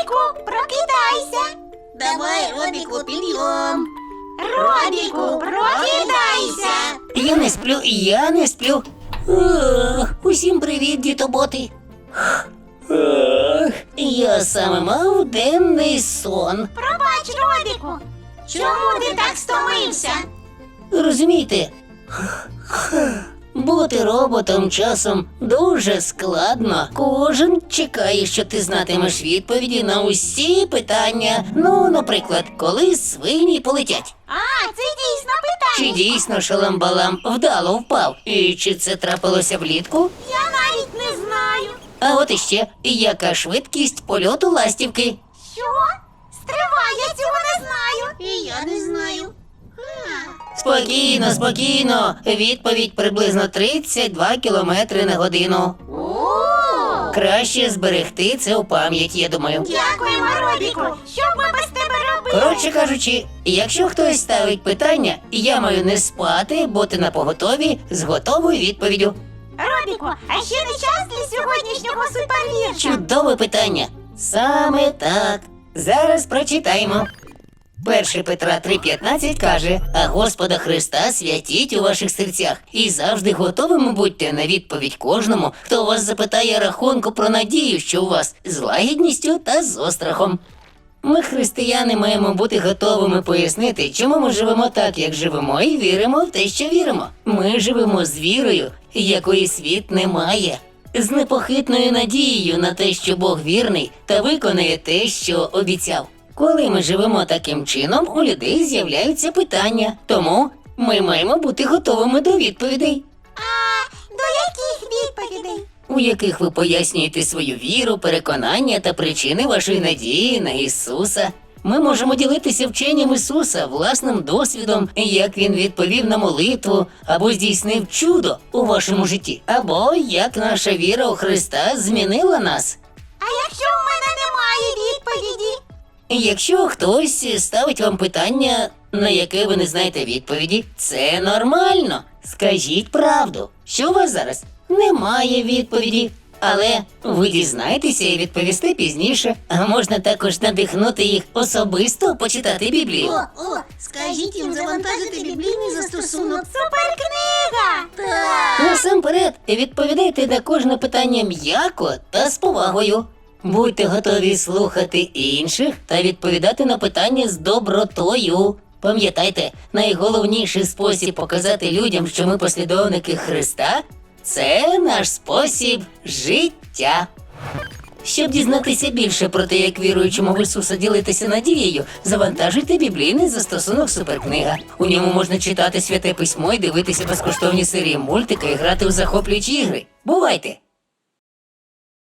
Робіку, прокидайся. Давай, Робіку, підйом. Робіку, прокидайся. Я не сплю. Усім привіт, дітоботи. Я саме мав денний сон. Пробач, Робіку. Чому ти так стомився? Розумієте, бути роботом часом дуже складно. Кожен чекає, що ти знатимеш відповіді на усі питання. Ну, наприклад, коли свині полетять. А, це дійсно Чи питання. дійсно шаламбалам вдало впав? І чи це трапилося влітку? Я навіть не знаю. А от іще, яка швидкість польоту ластівки? Що? Стривай, я цього не знаю. І я не знаю. Спокійно, спокійно. Відповідь приблизно 32 кілометри на годину. О! Краще зберегти це у пам'яті, я думаю. Дякуємо, Робіку. Що б ми без тебе робили? Коротше кажучи, якщо хтось ставить питання, я маю не спати, бути напоготові з готовою відповіддю. Робіку, а ще не час для сьогоднішнього супервірша. Чудове питання. Саме так. Зараз прочитаємо. 1 Петра 3,15 каже: «А Господа Христа святіть у ваших серцях, і завжди готовими будьте на відповідь кожному, хто вас запитає рахунку про надію, що у вас, з лагідністю та з острахом». Ми, християни, маємо бути готовими пояснити, чому ми живемо так, як живемо, і віримо в те, що віримо. Ми живемо з вірою, якої світ не має. З непохитною надією на те, що Бог вірний та виконає те, що обіцяв. Коли ми живемо таким чином, у людей з'являються питання. Тому ми маємо бути готовими до відповідей, А до яких відповідей? у яких ви пояснюєте свою віру, переконання та причини вашої надії на Ісуса. Ми можемо ділитися вченням Ісуса, власним досвідом, як Він відповів на молитву, або здійснив чудо у вашому житті, або як наша віра у Христа змінила нас. А якщо в мене немає відповіді? Якщо хтось ставить вам питання, на яке ви не знаєте відповіді, це нормально. Скажіть правду, що у вас зараз немає відповіді. Але ви дізнаєтеся і відповісте пізніше. А можна також надихнути їх особисто почитати Біблію. Скажіть їм завантажити біблійний застосунок. Суперкнига! Так. Насамперед, відповідайте на кожне питання м'яко та з повагою. Будьте готові слухати інших та відповідати на питання з добротою. Пам'ятайте, найголовніший спосіб показати людям, що ми послідовники Христа – це наш спосіб життя. Щоб дізнатися більше про те, як віруючому в Ісуса ділитися надією, завантажуйте біблійний застосунок «Суперкнига». У ньому можна читати Святе Письмо і дивитися безкоштовні серії мультика і грати у захоплюючі ігри. Бувайте!